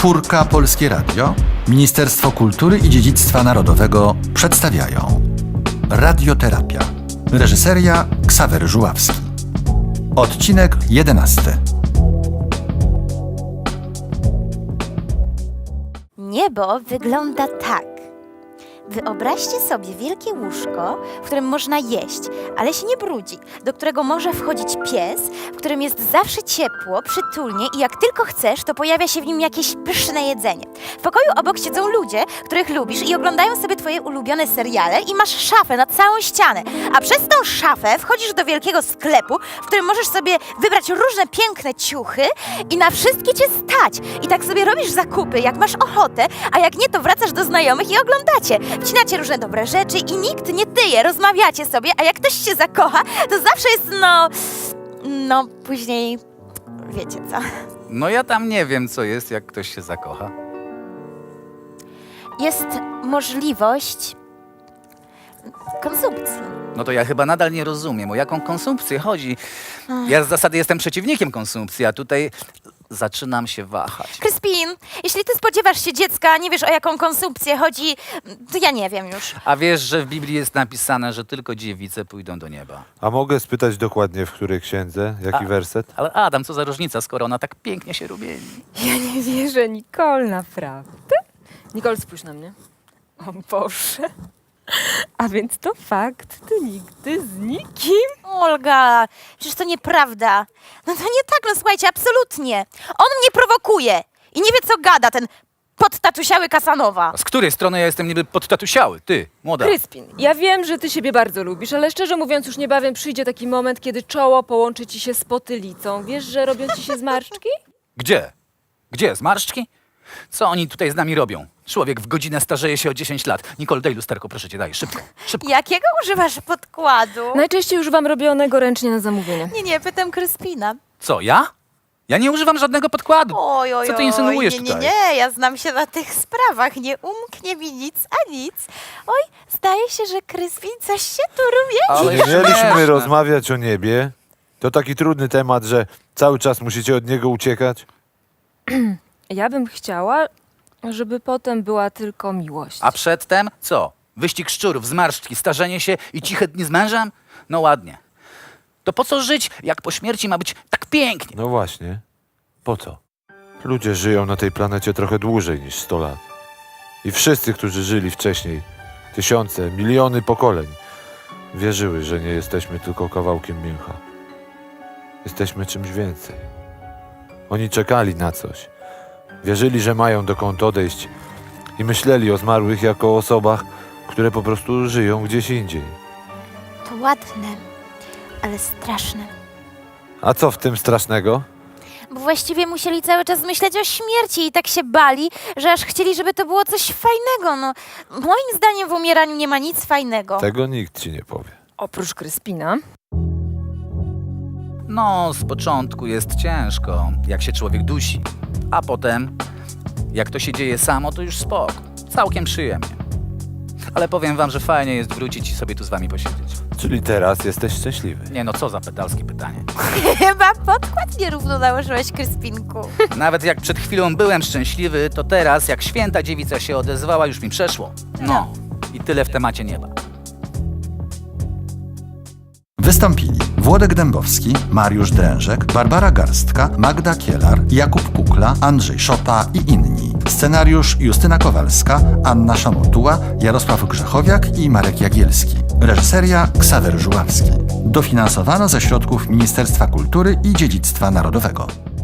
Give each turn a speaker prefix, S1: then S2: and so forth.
S1: Czwórka Polskie Radio, Ministerstwo Kultury i Dziedzictwa Narodowego przedstawiają Radioterapia. Reżyseria Ksawery Żuławski. Odcinek 11.
S2: Niebo wygląda tak. Wyobraźcie sobie wielkie łóżko, w którym można jeść, ale się nie brudzi, do którego może wchodzić pies, w którym jest zawsze ciepło, przytulnie i jak tylko chcesz, to pojawia się w nim jakieś pyszne jedzenie. W pokoju obok siedzą ludzie, których lubisz i oglądają sobie twoje ulubione seriale i masz szafę na całą ścianę, a przez tą szafę wchodzisz do wielkiego sklepu, w którym możesz sobie wybrać różne piękne ciuchy i na wszystkie cię stać. I tak sobie robisz zakupy, jak masz ochotę, a jak nie, to wracasz do znajomych i oglądacie. Wcinacie różne dobre rzeczy i nikt nie tyje, rozmawiacie sobie, a jak ktoś się zakocha, to zawsze jest później wiecie co.
S3: No ja tam nie wiem, co jest, jak ktoś się zakocha.
S2: Jest możliwość konsumpcji.
S3: No to ja chyba nadal nie rozumiem, o jaką konsumpcję chodzi. Ja z zasady jestem przeciwnikiem konsumpcji, a tutaj zaczynam się wahać.
S2: Crispin, jeśli ty spodziewasz się dziecka, a nie wiesz, o jaką konsumpcję chodzi, to ja nie wiem już.
S3: A wiesz, że w Biblii jest napisane, że tylko dziewice pójdą do nieba.
S4: A mogę spytać dokładnie, w której księdze? Jaki werset?
S3: Ale Adam, co za różnica, skoro ona tak pięknie się rumieni?
S5: Ja nie wierzę, Nicole, naprawdę? Nicole, spójrz na mnie. O Boże. A więc to fakt, ty nigdy z nikim?
S2: Olga, przecież to nieprawda. No to nie tak, no słuchajcie, absolutnie. On mnie prowokuje i nie wie, co gada, ten podtatusiały Kasanowa.
S3: A z której strony ja jestem niby podtatusiały? Ty, młoda.
S5: Kryspin, ja wiem, że ty siebie bardzo lubisz, ale szczerze mówiąc już niebawem przyjdzie taki moment, kiedy czoło połączy ci się z potylicą. Wiesz, że robią ci się zmarszczki?
S3: Gdzie? Gdzie? Zmarszczki? Co oni tutaj z nami robią? Człowiek w godzinę starzeje się o 10 lat. Nicole, daj lusterko, proszę cię, daj, szybko, szybko.
S2: Jakiego używasz podkładu?
S5: Najczęściej używam robionego ręcznie na zamówienie.
S2: Nie, pytam Crispina.
S3: Co, ja? Ja nie używam żadnego podkładu.
S2: Oj,
S3: Co ty insynuujesz
S2: nie,
S3: tutaj?
S2: Nie, ja znam się na tych sprawach, nie umknie mi nic a nic. Oj, zdaje się, że Crispin coś się tu
S3: Ale
S4: Czy
S2: rumieni.
S4: nie mieliśmy
S3: śmieszne.
S4: rozmawiać o niebie? To taki trudny temat, że cały czas musicie od niego uciekać?
S5: Ja bym chciała, żeby potem była tylko miłość.
S3: A przedtem co? Wyścig szczurów, zmarszczki, starzenie się i ciche dni z mężem? No ładnie. To po co żyć, jak po śmierci ma być tak pięknie?
S4: No właśnie. Po co? Ludzie żyją na tej planecie trochę dłużej niż 100 lat. I wszyscy, którzy żyli wcześniej, tysiące, miliony pokoleń, wierzyły, że nie jesteśmy tylko kawałkiem mięcha. Jesteśmy czymś więcej. Oni czekali na coś. Wierzyli, że mają dokąd odejść i myśleli o zmarłych jako o osobach, które po prostu żyją gdzieś indziej.
S2: To ładne, ale straszne.
S4: A co w tym strasznego?
S2: Bo właściwie musieli cały czas myśleć o śmierci i tak się bali, że aż chcieli, żeby to było coś fajnego. No, moim zdaniem w umieraniu nie ma nic fajnego.
S4: Tego nikt ci nie powie.
S5: Oprócz Kryspina.
S3: No, z początku jest ciężko, jak się człowiek dusi. A potem, jak to się dzieje samo, to już spoko. Całkiem przyjemnie. Ale powiem wam, że fajnie jest wrócić i sobie tu z wami posiedzieć.
S4: Czyli teraz jesteś szczęśliwy.
S3: Nie no, co za pedalskie pytanie.
S2: Chyba podkład nierówno nałożyłeś, Kryspinku.
S3: Nawet jak przed chwilą byłem szczęśliwy, to teraz, jak święta dziewica się odezwała, już mi przeszło. No, i tyle w temacie nieba.
S1: Wystąpili Włodek Dębowski, Mariusz Drężek, Barbara Garstka, Magda Kielar, Jakub Kukla, Andrzej Szopa i inni. Scenariusz Justyna Kowalska, Anna Szamotuła, Jarosław Grzechowiak i Marek Jagielski. Reżyseria Ksawery Żuławski. Dofinansowano ze środków Ministerstwa Kultury i Dziedzictwa Narodowego.